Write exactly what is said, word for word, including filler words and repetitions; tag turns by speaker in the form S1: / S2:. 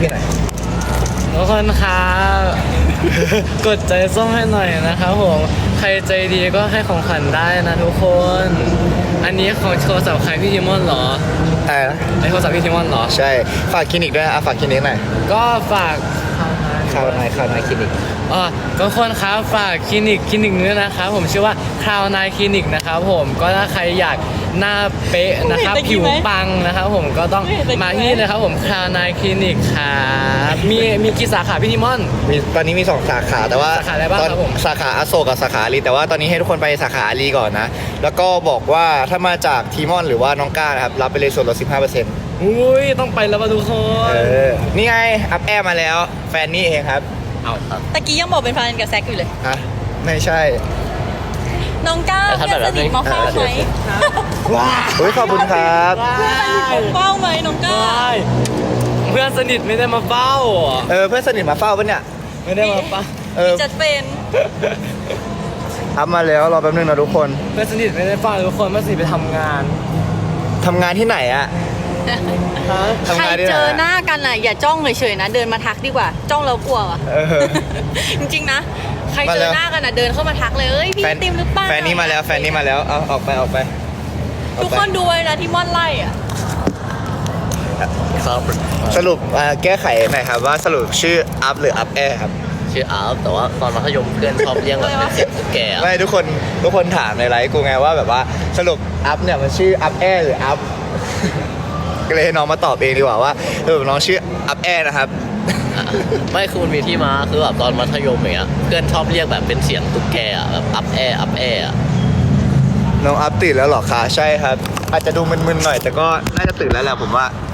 S1: พี่หน่อย
S2: ทุกคนครับกดใจส้มให้หน่อยนะครับผมใครใจดีก็ให้ของขวัญได้นะทุกคนอันนี้ของโทรศัพท์ใครพี่ทิมอนเหรอ
S1: อะไรนะ
S2: ไอโทรศัพท์พี่ทิมอนเหรอ
S1: ใช่ฝากคลินิกด้วยอ่ะฝากคลินิกหน่อย
S2: ก็ฝาก
S1: ข่าวหน่อยข่าวหน่อยคลินิก
S2: อ๋อทุกคนครับฝากคลินิกคลินิกนี้นะครับผมชื่อว่าคราวนายคลินิกนะครับผมก็ถ้าใครอยากหน้าเป๊ะนะครับผิวปังนะครับผมก็ต้องมาที่นะครับผมคราวนายคลินิกครับมีมีกี่สาขาพี่ทิมอน
S1: มีตอนนี้มีสองสาขาแต่ว่า
S2: สาขาอะไรบ้างครับผม
S1: สาขาอโศกกับสาขาอารีแต่ว่าตอนนี้ให้ทุกคนไปสาขาอารีก่อนนะแล้วก็บอกว่าถ้ามาจากทีมอนหรือว่าน้องก้านะครับรับไปเลยส่วนลด สิบห้าเปอร์เซ็นต์
S2: อุ้ยต้องไปแล้วมาทุกคน
S1: เออนี่ไงอัพแอร์มาแล้วแฟนนี่เองครับ
S2: เอาครับ
S3: ตะกี้ยังบอกเป็นแฟนกับแซกอยู่เลย
S1: ฮะไม่ใช่
S3: น้องก้าเพื่อนสนิทมาเฝ้าไหม
S1: ว้าอุ้ยขอบคุณครับ
S3: เพื่อนสนิทมาเฝ้าไหมน้องก้า
S2: เพื่อนสนิทไม่ได้มาเฝ้า
S1: เออเพื่อนสนิทมาเฝ้าปะเนี่ย
S2: ไม่ได้มาเฝ้า
S1: เออ
S3: จัดเป็น
S1: อัพมาแล้วรอแป๊บนึงนะทุกคน
S2: เพื่อนสนิทไม่ได้เฝ้าทุกคนเพื่อนสนิทไปทำงาน
S1: ทำงานที่ไหนอะ
S3: ใครเจอหน้ากันอ่ะอย่าจ้องเฉยๆนะเดินมาทักดีกว่าจ้องแล้วกลัวว่ะจริงๆนะใครเจอหน้ากันอ่ะเดินเข้ามาทักเลยเอ้ยพี่ติมหรือเปล่า
S1: แฟนนี้มาแล้วแฟนนี้มาแล้วเอาออกไปออกไป
S3: ทุกคนดูไว้นะที่ม่อนไล่อ่ะ
S1: สรุปแก้ไขหน่อยครับว่าสรุปชื่ออัพหรืออัพแอร์ครับ
S4: ชื่ออัพแต่ว่าตอนมัธยมเพื่อนชอบเรียกแบบเป็นเสียงตุ๊กแก
S1: ไม่ทุกคนทุกคนถามในไลฟ์กูไงว่าแบบว่าสรุปอัพเนี่ยมันชื่ออัพแอร์หรืออัพก็เลยให้น้องมาตอบเองดีกว่าว่าเออน้องชื่ออัพแอร์นะครับ
S4: ไม่คือมันมีที่มาคือแบบตอนมัธยมอย่างเงี้ยเพื่อนชอบเรียกแบบเป็นเสียงตุ๊กแกแบบอัพแอร์อัพแอร์
S1: น้องอัพตื่นแล้วหรอคะใช่ครับอาจจะดูมึนๆหน่อยแต่ก็น่าจะตื่นแล้วแหละผมว่า